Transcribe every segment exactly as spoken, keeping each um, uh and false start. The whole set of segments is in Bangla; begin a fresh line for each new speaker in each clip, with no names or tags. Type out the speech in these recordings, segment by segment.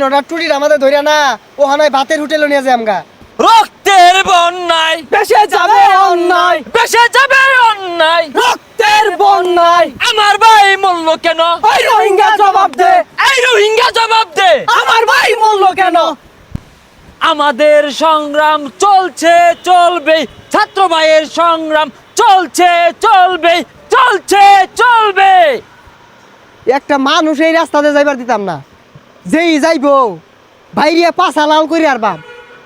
তিনটা টুটির আমাদের ধরে না ও হানায় ভাতের হোটেলে নিয়ে যায় আমগা।
রক্তের বন্যায়
বেশে যাবে অন্যায়,
বেসে যাবে অন্যায়,
রক্তের বন্যায়
আমার ভাই মূল্য কেন?
ওই রোহিঙ্গা জবাব দে,
এই রোহিঙ্গা জবাব দে।
আমার ভাই মূল্য কেন?
আমাদের সংগ্রাম চলছে চলবে, ছাত্র ভাইয়ের সংগ্রাম চলছে চলবে, চলছে চলবে।
একটা মানুষ এই রাস্তাতে যাইবার দিতাম না, যেই যাইবো বাইরে পাছা লাল করে আর বাপ।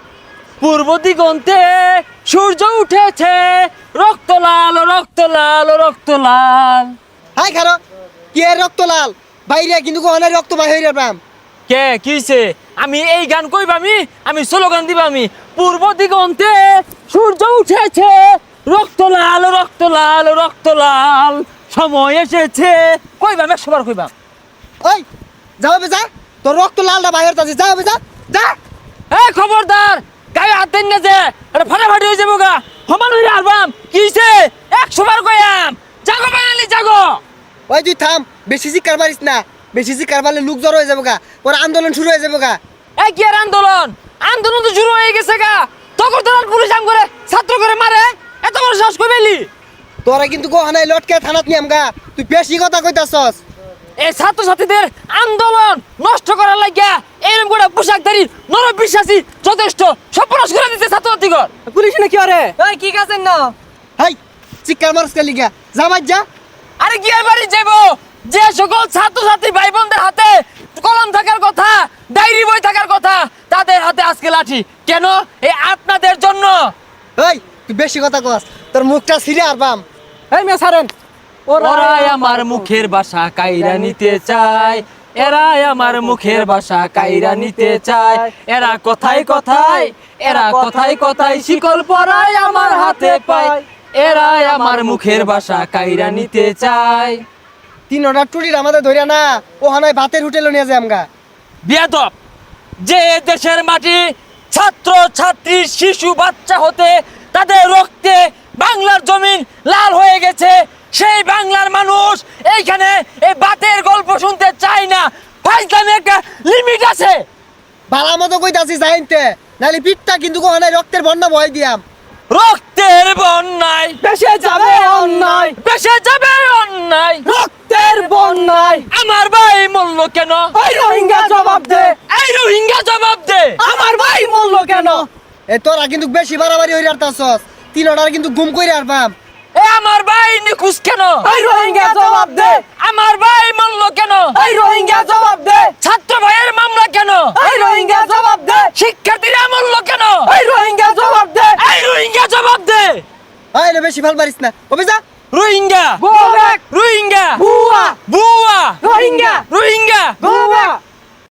পূর্ব দিগন্তে সূর্য উঠেছে, রক্ত লাল রক্ত লাল রক্ত লাল।
হাই খারো কি এর রক্ত লাল বাইরে কিন্তু কোহানের রক্ত বাহির হইরা বাম।
কে কিছে? আমি এই গান কইব, আমি আমি স্লোগান দিব, আমি পূর্ব দিগন্তে সূর্য উঠেছে, রক্ত লাল রক্ত লাল রক্ত লাল, সময় এসেছে কইবাম, একশো বার কইবাম।
ওই যাও বে যা, তোর রক্ত লালটা বাহির তাছে, যাও বে যা যা।
এই খবরদার, গায়ে হাত দেন না যে, এটা ফাটাফাটি হয়ে যাবো গা, সমান হইলে আলবাম। কিছে? একশো বার কইয়াম, জাগো বাঙালি জাগো।
ওই তুই থাম, বেশি চিৎকার মারিস না, বেশি চিৎকার মারলে লোক জড়ো হয়ে যাবো গা, পরে আন্দোলন শুরু হয়ে যাবো গা।
এই কি আর আন্দোলন? আন্দোলন তো শুরু হয়ে গেছে গা। তখন তো পুলিশ আম করে ছাত্র করে মারে, এত বড় সাহস কই পেলি?
তোরা কিন্তু কোহানায় লটকে থানাত নিয়াম গা, তুই বেশি কথা কইতাছস।
এই ছাত্র ছাত্রীদের আন্দোলন নষ্ট করার লাগিয়া এরকম করে পোশাকধারী নর বিশ্বাসী যথেষ্ট সর্বনাশ করে দিতে ছাত্র ছাত্রীগণ।
পুলিশ না কি আরে? এই কি কাছেন না?
হাই চিৎকার মারস কে লিগা, যা বাজ যা।
আরে কি আর বাড়ি যাবো? যে সকল ছাত্র ছাত্রী ভাই বোনদের হাতে কলম থাকার কথা, ডায়েরি বই থাকার কথা, তাদের হাতে আজকে লাঠি কেন? এই আপনাদের জন্য।
এই তুই বেশি কথা কস, তোর মুখটা ছিঁড়ে আর বাম।
এই মে ছাড়েন।
ওরাই আমার মুখের ভাষা কাইরা নিতে চায়, এরাই আমার মুখের ভাষা কাইরা নিতে চায়, এরা কথাই কথাই, এরা কথাই কথাই শিকল পরায় আমার হাতে পায়, এরাই আমার মুখের ভাষা কাইরা নিতে চায়।
তিনটা টুটির আমাদের ধরে না ও হানায় ভাতের হোটেলে নিয়ে যায় আমগা।
বিয়াদব, যে দেশের মাটি ছাত্র ছাত্রী শিশু বাচ্চা হতে তাদের রক্তে বাংলার জমিন লাল হয়ে গেছে, সেই বাংলার মানুষ এইখানে এই বাতের গল্প শুনতে চায় না। ফাইজলামে একটা লিমিট আছে।
ভালো মতো কইতাছি যাইতে, নাহলে পিঠটা কিন্তু কোহানায় রক্তের বন্যা বয় দিয়াম।
রক্তের বন্যায়
বেশে যাবে অন্যায়,
বেসে যাবে অন্যায়,
রক্তের বন্যায়
আমার ভাই মূল্য কেন?
ওই রোহিঙ্গা জবাব দে,
এই রোহিঙ্গা জবাব দে।
আমার ভাই মূল্য কেন?
এ তোরা কিন্তু বেশি বাড়াবাড়ি হইরে আরতাছস, তিনটার কিন্তু গুম কইরে আর বাম।
এ আমার ভাই নিখুঁজ কেন?
ওই রোহিঙ্গা জবাব দে,
আমার ভাই মূল্য কেন?
ওই রোহিঙ্গা জবাব দে,
ছাত্র ভাইয়ের মামলা কেন?
ওই রোহিঙ্গা জবাব দে,
শিক্ষার্থীরা মূল্য কেন?
ওই রোহিঙ্গা জবাব দে,
এই রোহিঙ্গা জবাব দে।
আয় না বেশি ভাল পারিস না, ওবে যা।
রোহিঙ্গা
গো ব্যাক,
রোহিঙ্গা
বুয়া,
বুয়া
রোহিঙ্গা,
রোহিঙ্গা
গো ব্যাক।